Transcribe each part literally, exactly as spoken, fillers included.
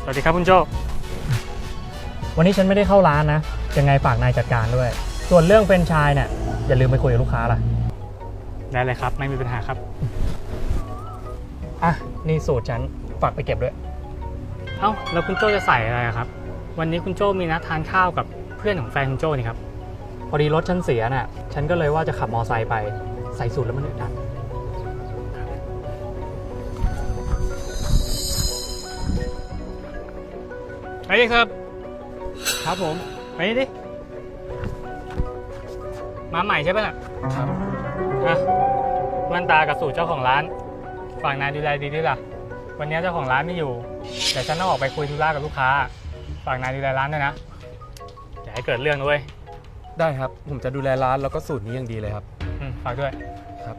วัสดีครับคุณโจวันนี้ฉันไม่ได้เข้าร้านนะยังไงฝากนายจัดการด้วยส่วนเรื่องแฟรนไชส์เนี่ยอย่าลืมไปคุยกับลูกค้าล่ะได้เลยครับไม่มีปัญหาครับอ่ะนี่สูตรฉันฝากไปเก็บด้วยเอ้าแล้วคุณโจจะใส่อะไรครับวันนี้คุณโจมีนัดทานข้าวกับเพื่อนของแฟนคุณโจนี่ครับพอดีรถฉันเสียน่ะฉันก็เลยว่าจะขับมอไซค์ไปใส่สูตรแล้วมันอึดอัดไปดิครับครับผมไปดิมาใหม่ใช่ไหมล่ะครับอ่ะแว่นตากับสูตรเจ้าของร้านฝากนายดูแลดีด้วยล่ะวันนี้เจ้าของร้านไม่อยู่แต่ฉันต้องออกไปคุยธุระกับลูกค้าฝากนายดูแลร้านด้วยนะอย่าให้เกิดเรื่องด้วยได้ครับผมจะดูแลร้านแล้วก็สูตรนี้อย่างดีเลยครับอืมฝากด้วยครับ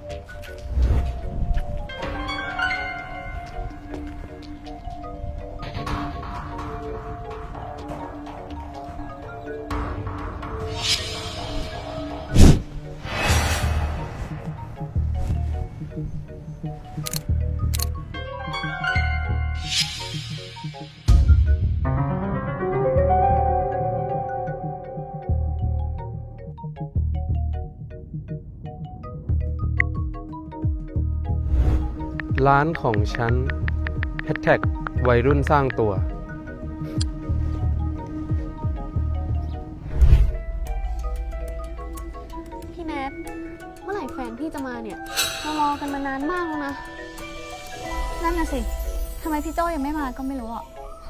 ร้านของฉันแฮชแท็กวัยรุ่นสร้างตัวพี่แนทเมื่อไหร่แฟนพี่จะมาเนี่ยเรารอกันมานานมากแล้วนะนั่นน่ะสิทำไมพี่โจ้ยังไม่มาก็ไม่รู้อ่ะ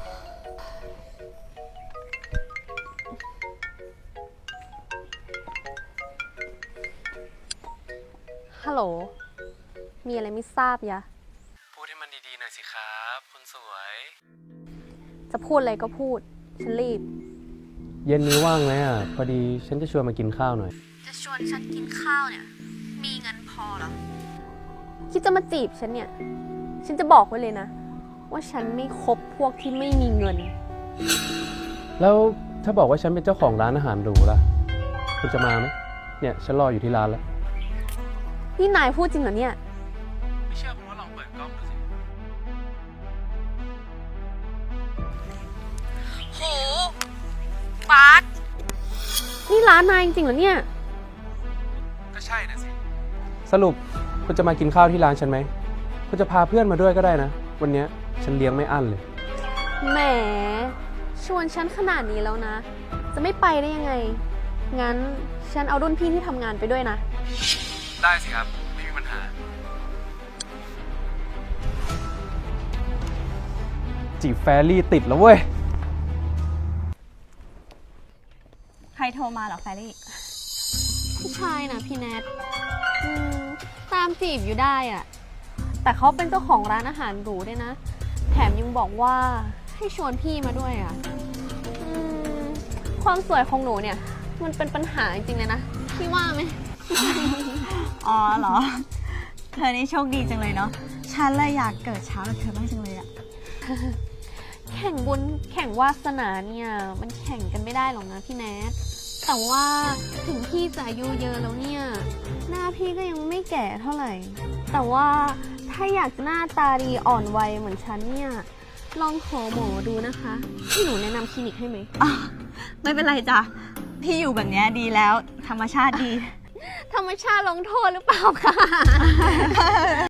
ฮัลโหลมีอะไรไม่ทราบยะพูดให้มันดีๆหน่อยสิครับคนสวยจะพูดอะไรก็พูดฉันรีบเย็นนี้ว่างไหมอ่ะพอดีฉันจะชวนมากินข้าวหน่อยจะชวนฉันกินข้าวเนี่ยมีเงินพอหรอคิดจะมาจีบฉันเนี่ยฉันจะบอกไว้เลยนะว่าฉันไม่คบพวกที่ไม่มีเงินแล้วถ้าบอกว่าฉันเป็นเจ้าของร้านอาหารหรูล่ะคุณจะมาไหมเนี่ยฉันรออยู่ที่ร้านแล้วนี่นายพูดจริงเหรอเนี่ยไม่เชื่อผมว่าลองเปิดกล้องดูสิโหบาสนี่ร้านนายจริงๆเหรอเนี่ยก็ใช่นะสิสรุปคุณจะมากินข้าวที่ร้านฉันไหมคุณจะพาเพื่อนมาด้วยก็ได้นะวันนี้ฉันเลี้ยงไม่อั้นเลยแหมชวนฉันขนาดนี้แล้วนะจะไม่ไปได้ยังไงงั้นฉันเอารุ่นพี่ที่ทำงานไปด้วยนะได้สิครับไม่มีปัญหาจีบแฟรี่ติดแล้วเว้ยใครโทรมาเหรอแฟรี่ผู้ชายนะพี่แนทตามจีบอยู่ได้อะแต่เขาเป็นเจ้าของร้านอาหารหรูด้วยนะแถมยังบอกว่าให้ชวนพี่มาด้วยอะความสวยของหนูเนี่ยมันเป็นปัญหาจริงๆเลยนะพี่ว่าไหมอ๋อเหรอเธอนี่โชคดีจังเลยเนาะฉันเลยอยากเกิดเช้ากับเธอบ้างจังเลยอะแข่งบุญแข่งวาสนาเนี่ยมันแข่งกันไม่ได้หรอกนะพี่แนทแต่ว่าถึงพี่จะอายุเยอะแล้วเนี่ยหน้าพี่ก็ยังไม่แก่เท่าไหร่แต่ว่าถ้าอยากหน้าตาดีอ่อนวัยเหมือนฉันเนี่ยลองขอหมอดูนะคะที่หนูแนะนำคลินิกให้ไหมไม่เป็นไรจ้ะพี่อยู่แบบนี้ดีแล้วธรรมชาติดีธรรมชาติลงโทษหรือเปล่าคะ